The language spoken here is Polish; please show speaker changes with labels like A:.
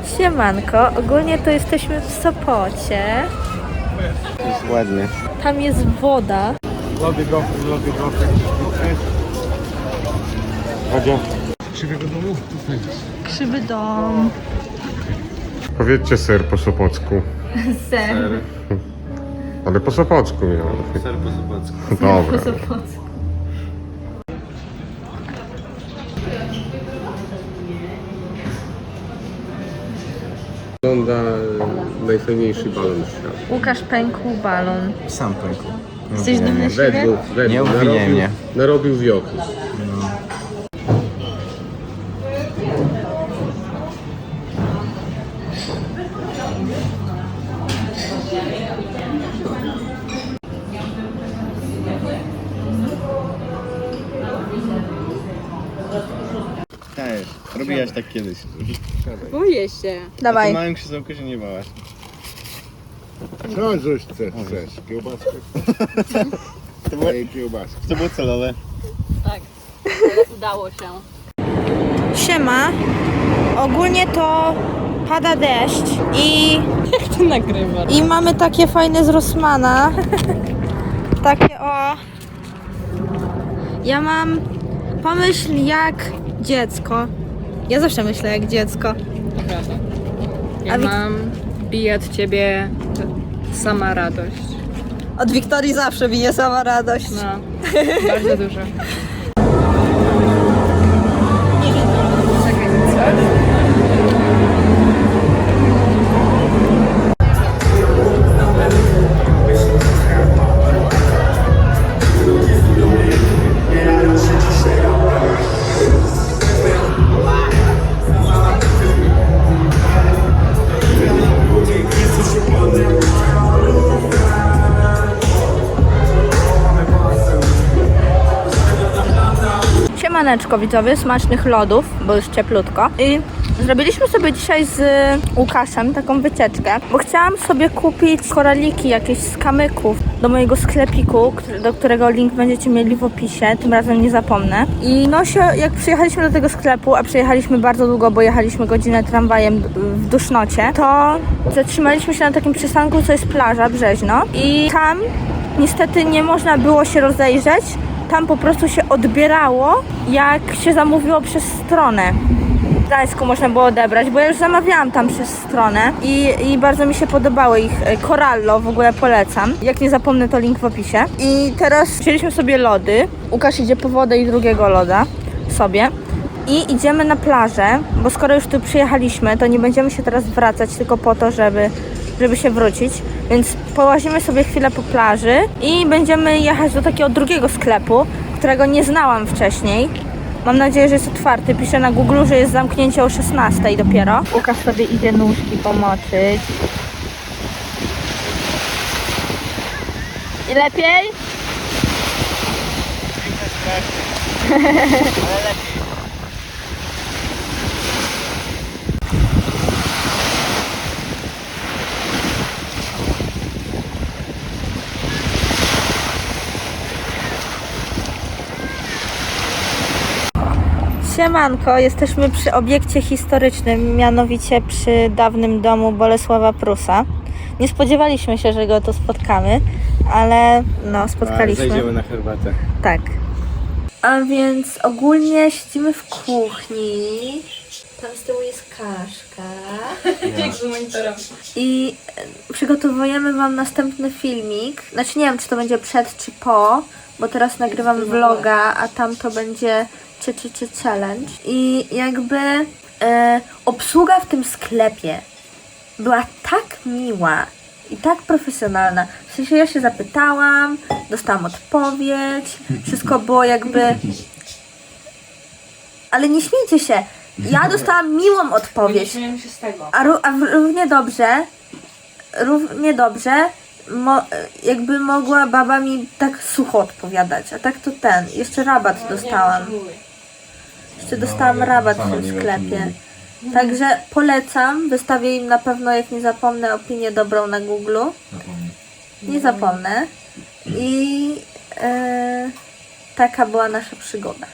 A: Siemanko, ogólnie to jesteśmy w Sopocie.
B: Jest ładnie.
A: Tam jest woda.
B: Lody gofry. Chodźcie. Krzywego domu?
A: Krzywy dom.
C: Powiedzcie ser po sopocku.
A: Ser.
C: Ale po sopocku miał.
B: Ser po sopocku.
C: Dobra.
A: Po Sopocku.
C: Wygląda najfajniejszy balon świata.
A: Łukasz pękł balon.
B: Sam pękł.
A: Jesteś dumny z siebie?
B: Nie obwiniaj mnie.
C: Narobił wioki.
B: Cześć, robiłaś tak kiedyś.
D: Boję się.
A: Dawaj.
B: Na małym krzesełku się nie bałaś.
C: Co żeś chcesz? Kiełbaskę?
B: To było,
C: Kiełbaskę.
B: to było celowe.
D: Tak, ale udało się.
A: Siema. Ogólnie to pada deszcz
D: Ty nagrywasz.
A: i mamy takie fajne z Rossmana. Takie o. Ja mam pomyśl jak dziecko. Ja zawsze myślę jak dziecko.
D: Prawda. Ja
A: A wi-
D: mam bije od ciebie sama radość.
A: Od Wiktorii zawsze bije sama radość.
D: No, bardzo dużo.
A: Siemaneczko widzowie, smacznych lodów, bo już cieplutko. I zrobiliśmy sobie dzisiaj z Łukaszem taką wycieczkę, bo chciałam sobie kupić koraliki jakieś z kamyków do mojego sklepiku, do którego link będziecie mieli w opisie, tym razem nie zapomnę. I no jak przyjechaliśmy do tego sklepu, a przyjechaliśmy bardzo długo, bo jechaliśmy godzinę tramwajem w dusznocie, to zatrzymaliśmy się na takim przystanku, co jest plaża Brzeźno i tam niestety nie można było się rozejrzeć. Tam po prostu się odbierało, jak się zamówiło przez stronę. W Gdańsku można było odebrać, bo ja już zamawiałam tam przez stronę i bardzo mi się podobały ich. Corallo w ogóle polecam. Jak nie zapomnę, to link w opisie. I teraz wzięliśmy sobie lody. Łukasz idzie po wodę i drugiego loda sobie. I idziemy na plażę, bo skoro już tu przyjechaliśmy, to nie będziemy się teraz wracać tylko po to, żeby się wrócić, więc połazimy sobie chwilę po plaży i będziemy jechać do takiego drugiego sklepu, którego nie znałam wcześniej. Mam nadzieję, że jest otwarty. Piszę na Google, że jest zamknięcie o 16 dopiero. Łukasz sobie idzie nóżki pomoczyć. I lepiej? Siemanko, jesteśmy przy obiekcie historycznym, mianowicie przy dawnym domu Bolesława Prusa. Nie spodziewaliśmy się, że go tu spotkamy, ale no spotkaliśmy.
B: Zajdziemy na herbatę.
A: Tak. A więc ogólnie siedzimy w kuchni. Tam z tyłu jest kaszka.
D: Jak z monitorem.
A: I przygotowujemy wam następny filmik. Znaczy nie wiem, czy to będzie przed, czy po, bo teraz nagrywam vloga, a tam to będzie czy challenge. I jakby obsługa w tym sklepie była tak miła i tak profesjonalna. W sensie ja się zapytałam, dostałam odpowiedź, wszystko było jakby... Ale nie śmiejcie się, ja dostałam miłą odpowiedź.
D: Śmieję się z tego.
A: A równie dobrze jakby mogła baba mi tak sucho odpowiadać, a tak to jeszcze rabat dostałam. Jeszcze dostałam rabat w tym sklepie. Także polecam, wystawię im na pewno, jak nie zapomnę, opinię dobrą na Google. Nie zapomnę. I taka była nasza przygoda.